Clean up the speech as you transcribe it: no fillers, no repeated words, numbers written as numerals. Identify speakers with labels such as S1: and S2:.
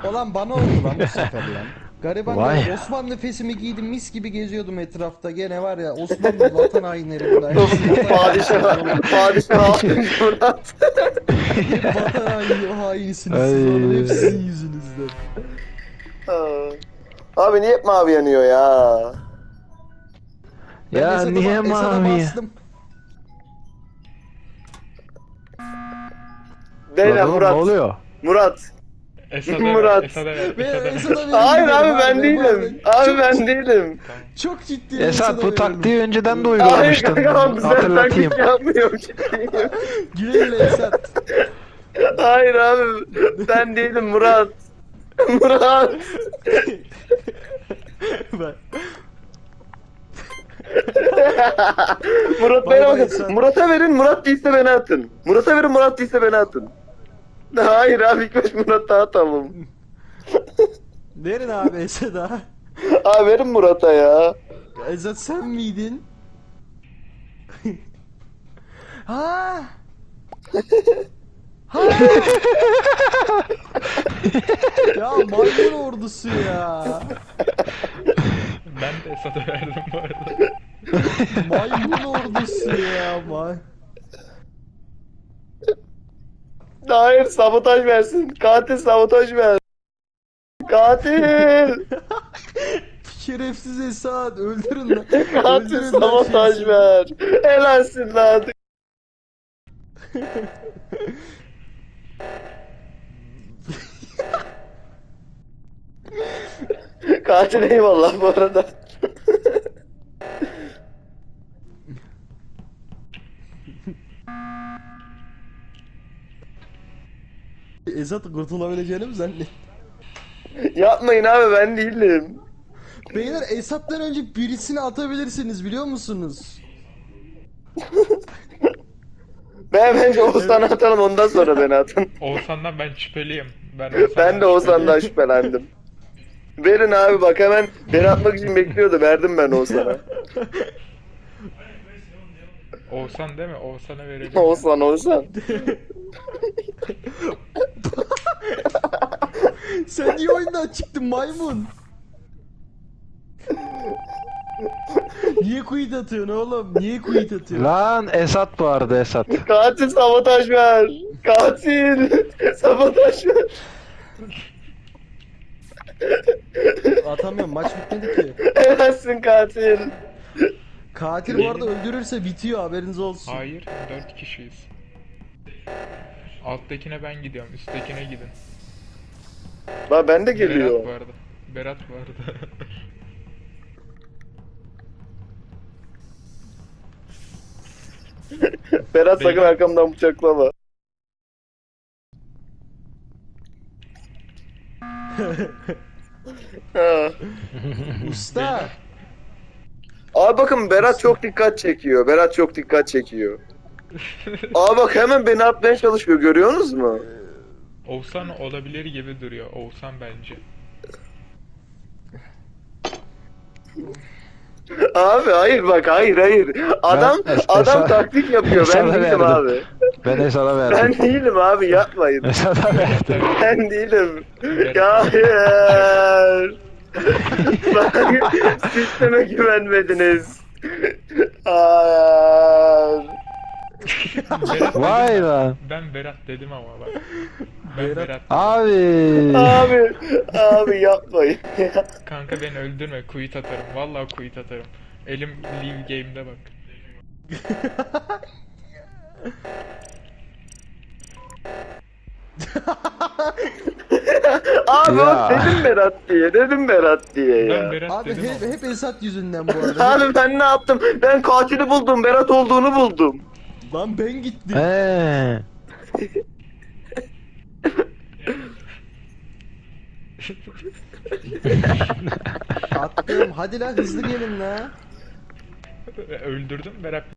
S1: Olan bana oldu lan bu sefer lan. Gariban
S2: Vay.
S1: ya, Osmanlı fesimi giydim, mis gibi geziyordum etrafta. Gene var ya, Osmanlı vatan hainleri bunlar.
S3: Padişah almış Murat.
S1: Hep vatan hainisiniz
S2: Ay.
S1: siz oğlum. Hep sizin yüzünüzden.
S3: Abi niye hep mavi yanıyor ya?
S1: Ben
S2: Ya
S1: Esad'a
S2: niye
S1: Esad'a
S2: mavi?
S1: bastım.
S3: Değil
S2: Lan oğlum,
S3: Murat.
S2: ne oluyor?
S3: Murat.
S4: Esad'a
S3: Murat.
S4: ver, Esad'a ver,
S1: Ve
S4: Esad'a ver.
S1: Esad'a verin
S3: Hayır
S1: gidelim
S3: abi ben
S1: bu
S3: değilim.
S1: arada.
S3: Abi
S1: Çok-
S3: ben değilim.
S4: Tamam.
S1: Çok ciddi
S2: Esat, bu
S1: verelim.
S2: taktiği önceden de
S3: Hayır
S2: uygulamıştın.
S3: kanka güzel
S2: Hatırlatayım.
S3: taklit yapmıyorum ciddiyim.
S1: Güle güle Esat.
S3: Hayır abi ben değilim Murat. Murat.
S1: Ben-
S3: Murat
S1: Bay
S3: bana
S1: bay
S3: bakın.
S1: Esat.
S3: Murat'a verin Murat değilse beni atın. Murat'a verin Murat değilse beni atın. Hayır abi ilk baş Murat'a atalım.
S1: Verin abi Esad'a.
S3: Abi verin Murat'a ya.
S1: Esat sen miydin? Ha? Ha? Ya maymun ordusu ya.
S4: Ben de Esad'a verdim bu arada.
S1: Maymun ordusu ya.
S3: Hayır sabotaj versin. Katil sabotaj ver. Katil.
S1: Şerefsiz Esat öldürün lan.
S3: Katil
S1: Öldürün lan
S3: sabotaj
S1: şerefsiz.
S3: ver. Helalsin lan. Katil eyvallah bu arada.
S1: Esat kurtulabileceğini mi zannet?
S3: Yapmayın abi ben değilim.
S1: Beyler Esat'tan önce birisini atabilirsiniz biliyor musunuz?
S3: Ben bence Oğuzhan'ı atalım ondan sonra beni atın.
S4: Oğuzhan'dan ben şüpheliyim.
S3: Ben de Oğuzhan'dan şüphelendim. Verin abi bak hemen beni atmak için bekliyordu. Verdim ben Oğuzhan'a.
S4: Oğuzhan değil mi? Oğuzhan'a verelim.
S3: Oğuzhan.
S1: Sen niye oyundan çıktın maymun? Niye quit atıyorsun oğlum? Niye quit atıyorsun?
S2: Lan Esat bu arada, Esat.
S3: Katil sabotaj ver. Katil sabotaj ver.
S1: Atamıyorum, maç bitmedi ki.
S3: Helalsin katil.
S1: Katil bu arada öldürürse bitiyor, haberiniz olsun.
S4: Hayır, 4 kişiyiz. Alttakine ben gidiyorum, üsttekine gidin.
S3: Lan ben de
S4: Berat
S3: geliyor.
S4: vardı. Berat vardı.
S3: Berat sakın
S4: Beyler.
S3: arkamdan bıçaklama. Ha.
S1: Usta!
S3: Abi bakın Berat çok dikkat çekiyor. Berat çok dikkat çekiyor. Abi bak hemen beni atmaya çalışıyor. Görüyorsunuz mu?
S4: Oğuzhan olabilir gibi duruyor. Oğuzhan bence.
S3: Abi hayır bak hayır. Adam adam
S2: Esat-
S3: taktik yapıyor. Ben
S2: Esat'a
S3: değilim
S2: verdim.
S3: abi.
S2: Ben Esat'a
S3: Ben
S2: verdim.
S3: değilim abi yapmayın.
S2: Esat'a verdim.
S3: Ben değilim.
S4: Berat.
S3: Ya hayır. Bak sisteme güvenmediniz. Hayır.
S4: Berat
S2: Vay
S4: dedim
S2: lan.
S4: ben Berat dedim ama bak. Ben
S1: Berat-
S4: Berat.
S2: Abi.
S3: Abi yapmayın.
S4: Kanka beni öldürme, quit atarım. Vallahi quit atarım. Elim leave game'de bak.
S3: Abi
S2: Ya.
S3: dedim Berat diye
S4: Ben
S3: ya.
S4: Berat
S1: Abi
S4: dedim ama.
S1: hep Esat yüzünden bu arada.
S3: Abi ben ne yaptım? Ben katili buldum. Berat olduğunu buldum.
S1: Lan ben gittim.
S2: He.
S1: Attım. Hadi lan hızlı gelin la.
S4: Öldürdüm Berat.